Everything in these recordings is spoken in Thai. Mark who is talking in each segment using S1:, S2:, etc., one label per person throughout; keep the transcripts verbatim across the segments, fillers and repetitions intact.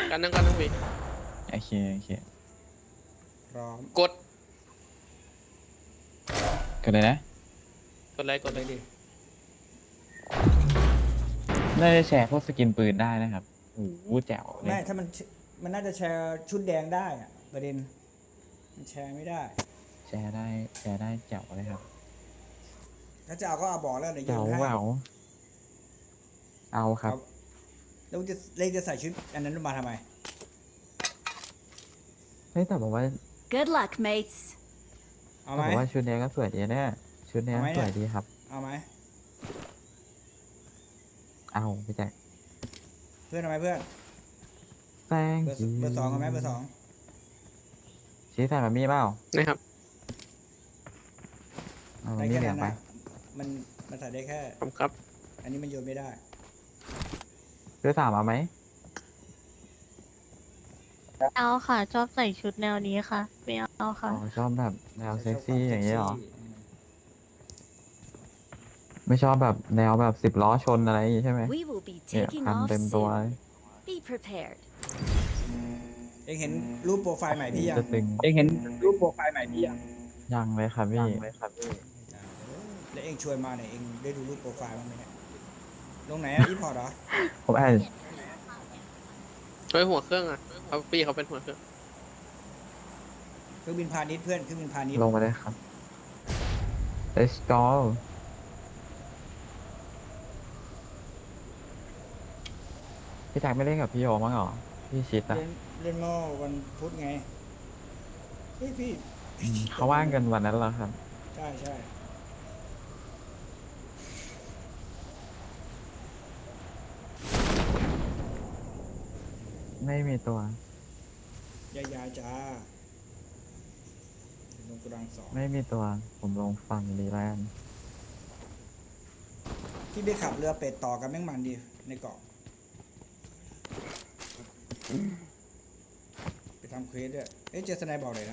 S1: กันนั่งกันนั่งวี
S2: โอเคโอเค
S3: พร้อม
S1: กด
S2: กดเลยนะ
S1: กดเลยกดเลยดิ
S2: น่าจะแชร์พวกสกินปืนได้นะครับโอ้โหแจ๋วเล
S3: ไม่
S2: ย
S3: ถ้ามันมันน่าจะแชร์ชุดแดงได้อะประเด็นมันแชร์ไม่ได้
S2: แชร์ได้แชร์ได้แจ๋วเลยครับ
S3: ถ้าจะเอาก็เอาบอกแล้วเดี๋ยวโย
S2: แจ๋วน
S3: ให้
S2: แหววเอาครับ
S3: แล้วจะเล่จะใส่ชุดอันนั้นมาทำไม
S2: เฮ้ยแต่บอกว่า
S4: Good luck, mates.
S3: เอาไหม
S2: แต่บอกว่าชุดนี้ก็สวยดีนะชุดนี้
S3: เอาไหม
S2: ส
S3: เนี่ย
S2: วยดีครับ
S3: เอาไหม
S2: เอาพี่แจ็ค
S3: เพื่อนเอาไหมเพื่อน
S2: แตง
S3: เบอร์เบอร์สองเอาไหมเบอร์สอง
S2: ชี้ใส่มามีเปล่า
S1: นะครับ
S2: เอามา
S3: ได้
S2: มี
S3: แค่
S2: เหลือ
S3: นั้
S2: ง
S3: น
S2: ไป
S3: นะมันมันใส่ได้แค่
S1: ผมครับ
S3: อันนี้มันโยนไม่ได้
S2: เรือสามเอาไหม
S5: เอาค่ะชอบใส่ชุดแนวนี้ค่ะไม่เอา
S2: อ๋
S5: ค่ะ
S2: อชอบแบบแนวเซ็กซี่อย่างนี้เหรอ
S3: เซ็กซี่
S2: ไม่ชอบแบบแนวแบบสิบล้อชนอะไรอย่างงี้ใช่ไหม
S4: We will be
S2: เนี่ย
S4: taking
S2: พัน
S4: off
S2: เต็มตัว
S4: soon. Be prepared.
S3: เองเห็นรูปโปรไฟล์ใหม่พี่ยัง
S2: จะตึง
S3: เองเห็นรูปโปรไฟล์ใหม่พี่ยัง
S2: ยังเลยครับพี่เลยครับพี่
S3: แล้วเองชวนมาเนี่ยเองได้ดูรูปโปรไฟล์บ้างไหมเนี่ยลงไหนอะอีพอร์ตเหรอ
S2: ผมอ่าน
S1: เฮ้ยหัวเครื่องอ่ะเขาปีเขาเป็นหัวเครื่อง
S3: เครื่องบินพาณิชย์เพื่อนเครื่องบินพาณิชย์
S2: ลงมาได้ครับ let's go พี่แจ็คไม่เล่นกับพี่โยมั้งเหรอ พี่ชิดอะ
S3: เล่นเล่นเมื่อวันพุธไงเฮ้ยพี่
S2: อืมเขาว่างกันวันนั้นเหรอครับ
S3: ใช่ใช่
S2: ไม่มีตัว
S3: ยายาจ้าลงกระดังสอง
S2: ไม่มีตัว ผมลงฝั่งดีแลนด์
S3: ที่ไปขับเรือเป็ดต่อกันแม่งมันดีในเกาะไปทำเควสด้วยเอ๊ะเจอสไนบอกเลยนะ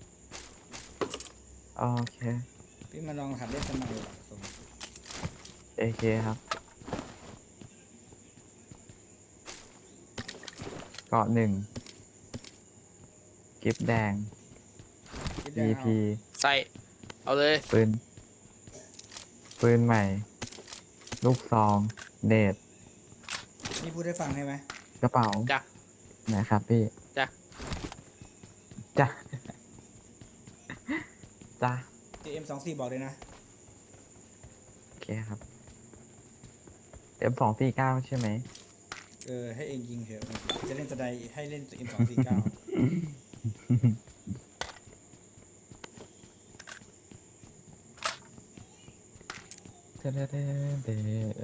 S2: โอเค
S3: พี่มาลองหัดเล่นสไนด์ว่ะส่ง
S2: เอเคครับเกาะหนึ่งกิฟแดง
S3: คิดได้
S2: ดี
S3: เอา
S2: พี
S1: ใส่เอาเลย
S2: ปืน ปืนใหม่ ลูกซอง เดท
S3: นี่พูดให้ฟังใช่ไหม
S2: กระเป๋า
S1: จ้ะ
S2: นะครับพี่
S1: จ้ะ
S2: จ้ะ จ้ะ
S3: เจเอ็มสองสี่บอกเลยนะ
S2: โอเคครับ เอ็มสองสี่เก้าใช่ไหม
S3: เออให้เองยิงเถอะจะเล่นสไนด์ให้เล่นเอ็มสองสี่เก้า
S2: เดเดเดเด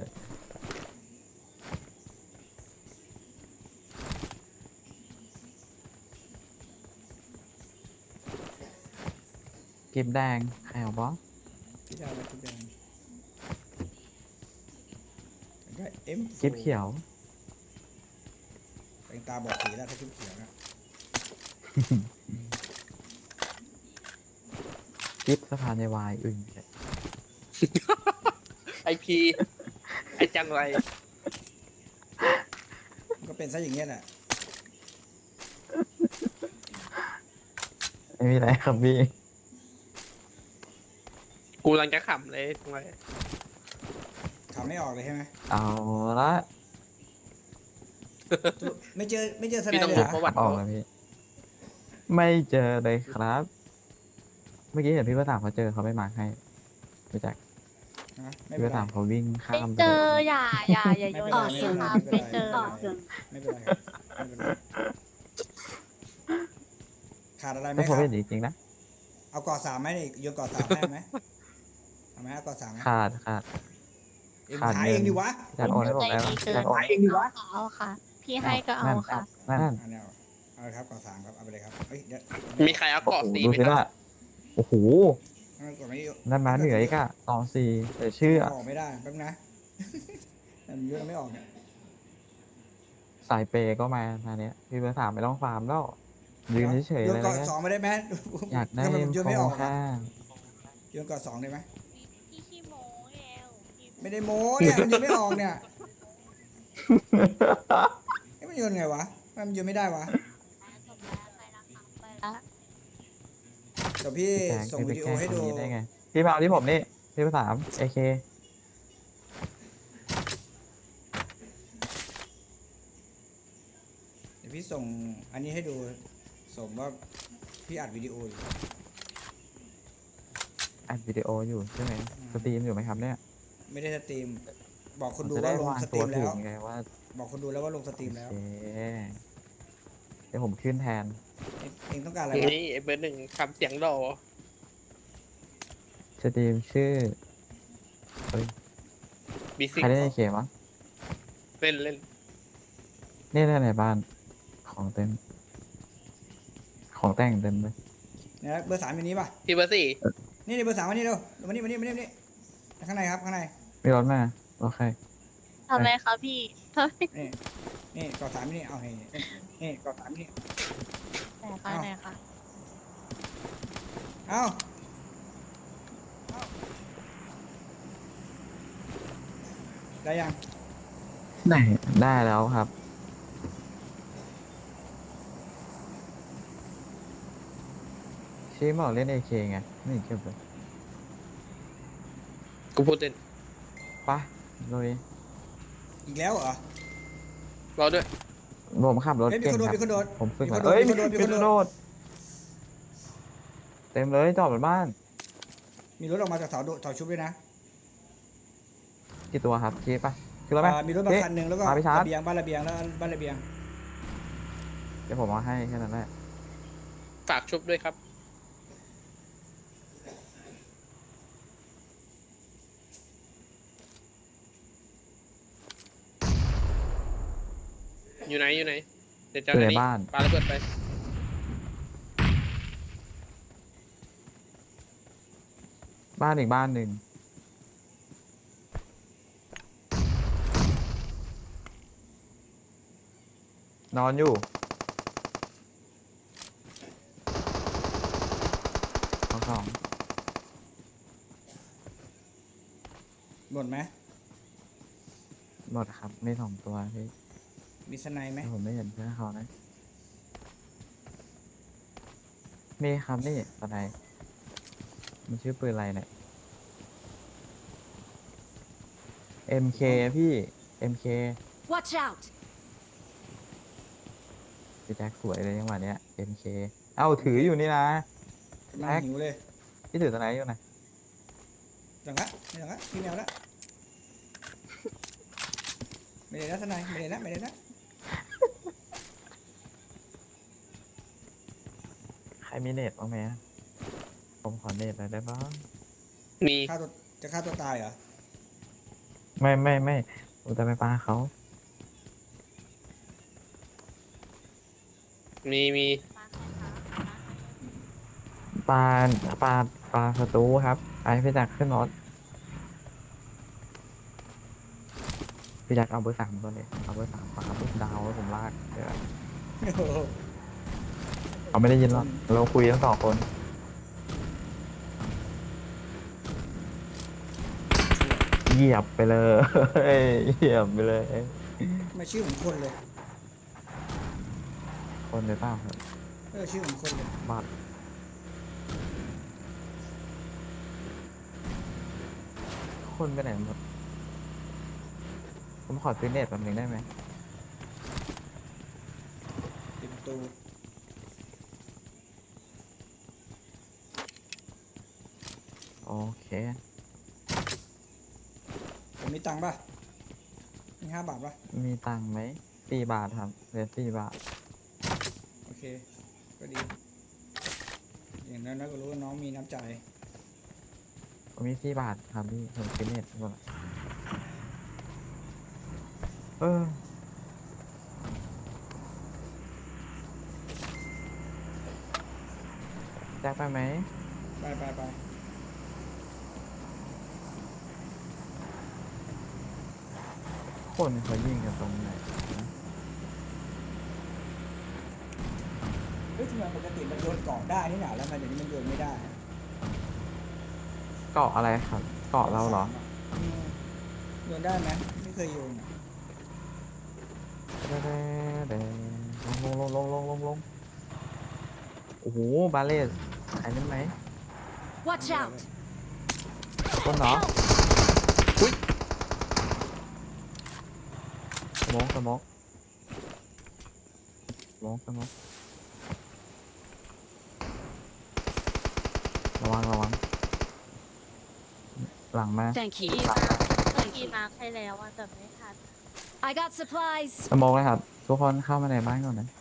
S2: กิฟแดงใครเอาบอส
S3: พี่ดาวแล้วคิดแดงได้เอ็ม
S2: กิฟเขียว
S3: เองตาบอกสีแล้วถ้าคิดเขียวนะ
S2: กิฟสะพานในวายอึ่ง
S1: ไอพีไอจังไร
S3: มันก็เป็นซะอย่างเงี้ยแหละ
S2: ไม่มีอะไรครับพี่
S1: กูกำลังจะขำเลยจังไร
S3: ขำไม่ออกเลยใช่ไหม
S2: เอาละ
S3: ไม่เจอไม่เจอสไน
S1: พี่
S3: ด์
S1: ต้อง
S3: เลย
S1: รู้
S3: เหร
S1: ป
S3: อ
S1: ระวัติ
S2: ออ
S1: เขา
S2: กแล้วพี่ ไม่เจอเลยครับ เมื่อกี้เห็นพี่ประสามเขาเจอเขาไม่มาร์คให้รู้จัก
S3: ฮะไม่
S2: พี่
S3: เป็
S2: ป
S3: น
S2: ระ
S3: ไร
S2: สามเขาวิ่งข้า
S5: ไม่
S2: มไป
S5: เจ
S2: เล
S5: อย อย่าอย่าอย่าโยน
S3: ไม่
S5: อย่าง
S3: เป็นไร
S5: นี้ครับ
S3: ไม่
S5: ไม่
S3: เป็น
S5: เจ
S3: ไร
S5: อ
S3: ไม่เป็นไรไม่เป็นไรขาดอะไรไหม
S2: ก็
S3: ค
S2: ผม
S3: รับ
S2: เป็นจริงๆนะ
S3: เอากอดสามไหมนี่โยนกอดสามได้ไหมเอาไหมเอากอดสามไหม
S2: ขาดขาด
S3: เอง
S2: ขาด
S3: หา
S2: เงิน
S3: เองดิวะ
S2: อยากโอนให้ผมแล้ว
S5: ใจดีเกิน
S2: อยากโอน
S3: หาเองดิวะ
S5: เอาค่ะ พี่ให้ก็เอาค่ะ
S2: นั่นนั่น
S3: อันนี้เอาเอาเลยครับกอดสามครับเอาไปเลยครับเฮ้ยเดี๋ยว
S1: มีใครเอา
S2: โอ้
S1: เกาะ
S2: โห
S1: สี
S2: ดู
S1: ไหม
S2: สิ
S1: ครั
S2: ว่า
S1: บ
S2: โอ้โห
S3: เอากดไม่
S2: นั่นมาเหนืออีกอะสองสี่แต่ชื่ออะ
S3: ออกไม่ได้แป๊บนะมันเยอะไม่ออกเนี่ย
S2: สายเปย์ก็มามาเนี้ยพี่ประสามไม่ต้องฟาร์มแล้วยืนเฉยๆ
S3: โย
S2: เล
S3: น
S2: ย
S3: กอด
S2: นะ
S3: สองไม่ได้ไหม
S2: อยากได้
S3: ทำไมผมโยนไม่ออก
S2: โครง
S3: อะ
S2: ข้าง
S3: โยนกอดสองได้ไหม
S5: พี่ขี้โม้แล้ว
S3: ไม่ได้โม้เนี่ยมันโยนไม่ออกเนี่ยเอ้ยมันโยนไงวะมันยืนไม่ได้วะ
S5: ไปละ
S3: เดี๋ยวพี่
S2: พี่แจ็ค
S3: ส่ง
S2: จะ
S3: วิดีโอ
S2: แกล้ง
S3: ให้
S2: คน
S3: ดู
S2: นี้ได้ไง พี่มาเอาที่ผมนี่ พี่ประสามเอเค
S3: เดี๋ยวพี่ส่งอันนี้ให้ดูส่งว่าพี่อัดวิดีโออยู่
S2: อัดวิดีโออยู่ใช่ไหม
S3: อืม
S2: สตรีมอยู่ไหมครับเนี่ย
S3: ไม่ได้สตรีม บอกคนดู
S2: จะ
S3: ว่า
S2: ได้
S3: ลง
S2: วาง
S3: สต
S2: ตั
S3: รี
S2: ว
S3: ม
S2: ถู
S3: แล้
S2: ก
S3: ว
S2: ไงว่า
S3: บอกคนดูแล้วว่าลงสตรีมแล้ว
S2: โอเคเดี๋ยวผมขึ้นแทน
S3: เอ็งเองต้องการอะไรวะ
S1: นี่ไอ้เบอร์หนึ่งทำเสียงหล่อ
S2: สตรีมชื่อเฮ้ย
S1: บีซิ
S2: ใครได้เอเคมั้ง
S1: เล่นเล่น
S2: นี่ได้ในบ้าน ของเต็ม ของแต่งเต็มเลย
S3: เนี่ยเบอร์สามอยู่นี้ป่ะ
S1: พี่เบอร์สี่
S3: นี่นี่เบอร์สามมานี่เร็วมานี่มานี่มานี่มานี่ข้างในครับข้างใน
S2: มีรถมาโอเค
S5: ทำไมคะพี่ทำไม
S3: นี่นี่กอสามนี่เอานี่นี่นี่กอสามนี่
S5: ไหนคะไหนคะ
S3: เอาเอาได้ยัง
S2: ไหน ได้แล้วครับ ชี้บอกเล่นเอเคไง นี่เก็บเลย
S1: กูพูดเล่น
S2: ไปะลุย
S3: อีกแล้วเหรอ
S1: รอด้วย
S2: ผมขับรถ
S3: เฮ้ยมี
S2: เก่ง
S3: คนโดด
S2: ครั
S3: มีคนโดด
S2: ผมฝึก
S3: มี
S2: มา
S3: คนโดด
S2: เอ้ย
S3: มี
S2: มี
S3: คนโดดมี
S2: มี
S3: ค
S2: คน น
S3: โดด
S2: โดดเต็มเลยจอดบนบ้าน
S3: มีรถออกมาจากเสาโดดเสาชุบด้วยนะ
S2: กี่ตัวครับชี้ปะคือรถไหม
S3: อ่ามีรถมา
S2: ชี้
S3: คันหนึ่งแล้วก็
S2: มาพี่ชาร์จ
S3: ระเบียงบ้านระเบียงแล้วบ้านระเบียง
S2: เดี๋ยวผมเอาให้แค่นั้นแหละ
S1: ฝากชุบด้วยครับ อยู่ไหนอยู่ไหนเดี๋ยวจะ
S2: อยู่ใน
S1: อั
S2: บ้าน
S1: ปาระเบิดไป
S2: บ้านอีกบ้านหนึ่งนอนอยู่สองสอง
S3: หมดไหม
S2: หมดครับไม่สองตัวพี่
S3: มีสไนไหม
S2: แต่ผมไม่เห็นเพื่อนเขานะมีครับนี่อะไรมันชื่อปืนอะไรเนี่ย เอ็ม เค พี่ เอ็ม เค
S4: Watch out!
S2: พี่แจ็คสวยเลยจังหวะเนี้ย เอ็ม เค เอ้าถืออยู่นี่นะ
S3: กำลัง
S2: แม็ก
S3: หิวเลย
S2: พี่ถือตัวไหนอยู่นะ
S3: จังละไม่จังละพี่แมวละไม่ได้นะสไนไม่ได้นะไม่ได้นะ
S2: ใครมีเน็ตบ้างไหมผมขอเน็ตหน่อยได้บ้าง
S1: มี
S3: ฆ่าตัวจะฆ่าตัวตายเหรอ
S2: ไม่ไม่ไม่ผมจะไปปาเขา
S1: มีมี
S2: ปาปาปาศัตรูครับไอพี่แจ็คขึ้นรถพี่แจ็คเอาเบอร์สามตัวเลยเอาเบอร์สามปาปุ๊บดาวแล้วผมลากเดี๋ยว
S3: โอ้โห
S2: เขาไม่ได้ยินหรอกเราคุยทั้งสองคนเหยียบไปเลยเหยียบไปเลย
S3: ไม่ชื่อเหมือนคนเลย
S2: คนเลยเปล่าครับ
S3: เออชื่อเหมือนคนเลย
S2: บัตรคนไปไหนหมดผมขอซื้อเน็ตแป๊บนึงได้ไหม
S3: ปิดประตู
S2: โอเค
S3: ผมมีตังค์ป่ะมีห้าบาทป่ะ
S2: มีตังค์ไหมสี่บาทครับเหลือสี่บาท
S3: โอเคก็ดีอย่างนั้นก็รู้ว่าน้องมีน้ำใจ
S2: ผมมีสี่บาทครับพี่ผมซื้อเน็ตหมดละเออแจ็คไปไหม
S3: ไปไปไป
S2: คนเขายิงกันตรงไหน
S3: เฮ้ยทำไมปกติมันโยนกล่องได้นี่หนาแล้วทำไมเดี๋ยวนี้มันโยนไม่ได้
S2: เกาะอะไรครับ เกาะเราเหรอ
S3: อืมโยนได้ไหมไม่เคยโยนอะ
S2: เด้เด้เด้โอ้ลงลงลงลงลงลงโอ้โหบาเลสใครเล่นไหม
S4: Watch out!
S2: คนเหรอ
S4: Help!
S2: สมองสมองสมองสมองระวังระวังหลังมา
S4: Thank
S5: พี่
S4: you.
S5: มาเมื่อกี้มาร์คให้แล้วอะแต่ไม่ทัน
S4: I got supplies.
S2: สมองเลยครับ ทุกคนเข้ามาในบ้านก่อนนะ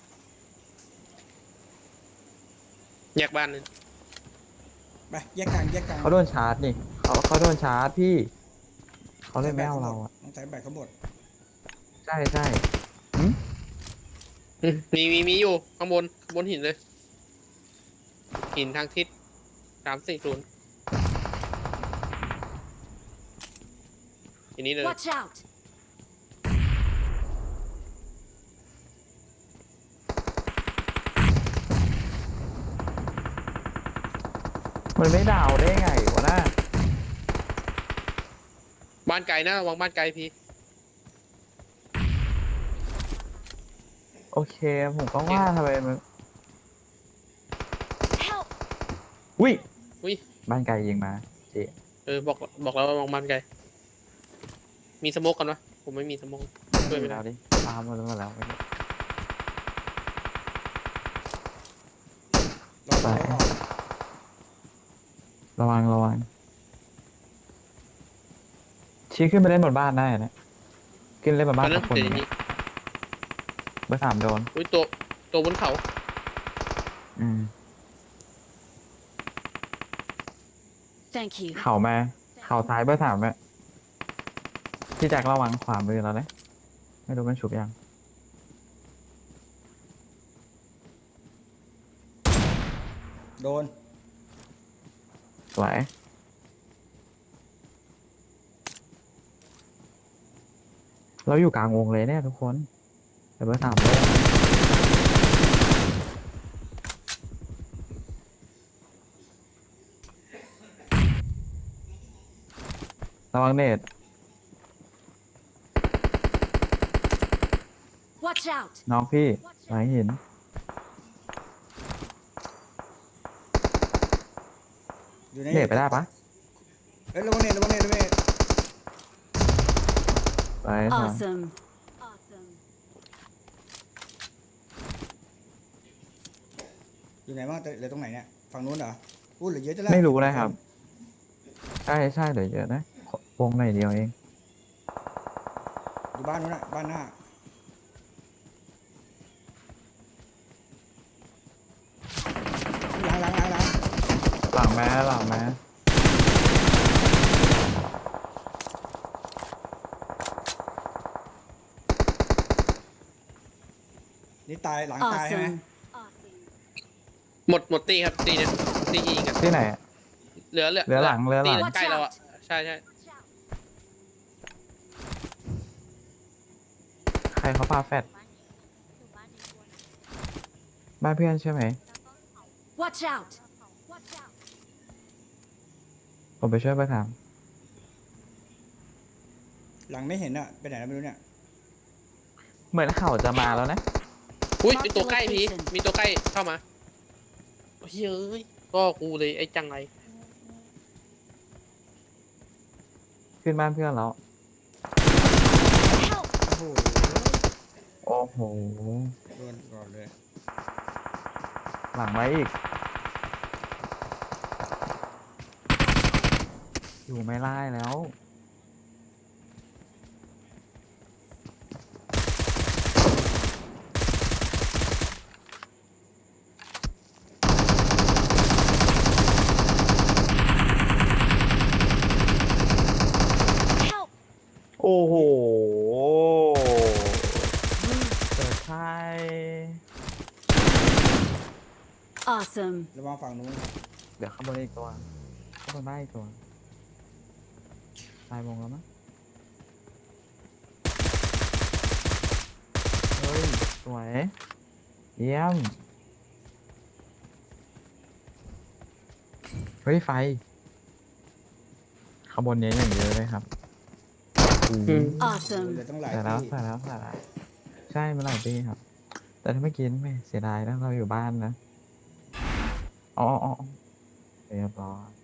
S1: แยกบ้านนึง
S3: ไปแยกกลางแยกกลาง
S2: เขาโดนชาร์จนี่เขาเขาโดนชาร์จพี่ เขาเลยไม่เอาเราอ่ะ
S3: ต้องใช้แบตเขาหมด
S2: ใช่ใช่
S1: อืมมีมีมีอยู่ข้างบนข้างบนหินเลย หินทางทิศสามสี่ศูนย์ทีนี้เลย
S4: Watch out!
S2: มันไม่ดาวได้ไงวะน่า
S1: บ้านไกลนะระวังบ้านไกลพี่
S2: โอเค ผมก็ว่าทำไมมัน
S4: Help!
S2: อุ้ย
S1: อุ้ย
S2: บ้านไกลยิงมาเจ๊
S1: เออบอกบอกแล้วว่ามองบ้านไกล มีสโมกกันวะผมไม่มีสโมกช่วยไม่ได้
S2: แล้วดิตามมาแล้วมาแล้ว
S3: เรา
S2: ไป
S3: เราออก
S2: ระวังระวังชี้ขึ้นไปเล่นบนบ้านได้นะขึ้นเล่นบน
S1: ต
S2: บ้า
S1: อน นนั้
S2: กับคน
S1: นเดี๋ยว
S2: อย่าง
S1: นี้
S2: เงี้ยเบอร์สามโดน
S1: อุ้ยตัวตัวบนเขา
S2: อืม
S4: Thank you.
S2: เข่ามาเข่าซ้ายเบอร์สามอะพี่แจ็คระวังขวามือเราเลยไม่รู้มันฉุบยัง
S3: โดน
S2: สวยเราอยู่กลางวงเลยเนี่ยทุกคนแต่เบอร์สามเลยระวังเนต
S4: Watch out!
S2: น้องพี่หลังหิน
S3: อยู่ใน
S2: เนตไปได้ปะ
S3: เอ้ยระวังเนตระวังเนตระวังเนต
S2: ไปสอง
S4: Awesome. Awesome.
S3: อยู่ไหนบ้างแต่เหลือตรงไหนเนี่ยฝั่งนู้นเหรออู้เหลือเยอะจังเลย
S2: ไม่รู้นะครับ ใช่ใช่เดี๋ยวเยอะนะวงหน่อยเดียวเอง
S3: อยู่บ้านนู้นน่ะบ้านหน้าล้างล้างล้างล้าง
S2: หลังแม้หลังแม้
S3: นี่ตายหลังตายใช่ไหม
S4: Awesome.
S1: หมดหมดตีครับตีเนี่ยตียิงกัน
S2: ที่ไหนอะ
S1: เหลือเหลือ
S2: เหลือหลังเหลือหลัง
S1: ตีใกล้เราอ่ะใช่ใช่
S2: ใครเขาปาแฟด
S5: บ้านนี้อยู่บ้านนี้ตัวนึง
S2: บ้านเพื่อนใช่ไหม
S5: แล้วก็เขา
S4: Watch out! Watch out!
S2: ผมไปช่วยไปถาม
S3: หลังไม่เห็นอ่ะไปไหนแล้วไม่รู้เนี่ย
S2: เหมือนเขาจะมาแล้วนะ
S1: อุ้ย
S4: Mark
S1: มีตัวใกล้
S4: the
S1: พี่
S4: location
S1: มีตัวใกล้เข้ามาเฮ้ยเอ้ยก็กูเลยไอ้จังไร
S2: ขึ้นบ้านเพื่อนแล้ว
S4: Help!
S3: โอ้โห
S2: โอ้โห
S3: โดนก่อนเลย
S2: หลังไว้อีก อยู่ไม่ไล่แล้ว
S4: Help!
S2: โอ้โหเกิดใช่
S4: Awesome.
S3: ระวังฝั่งนู้น
S2: เดี๋ยวข้างบนอีกตัวข้างบนบ้านอีกตัวตายวงแล้วมั้งเฮ้ย สวย เยี่ยม เฮ้ย ไฟ ข้างบนเนี้ยอย่างเยอะเลยครับอืม
S3: เห
S4: Awesome.
S3: ลือตั้งหลาย
S2: ใส่แล้ว
S3: ที่
S2: ใส่แล้วใส่แล้ว ใช่เมื่อไหร่ดีครับแต่ถ้าไม่กินไม่เสียดายนะเราอยู่บ้านนะอ๋ออ๋ออ๋อเรียบร้อย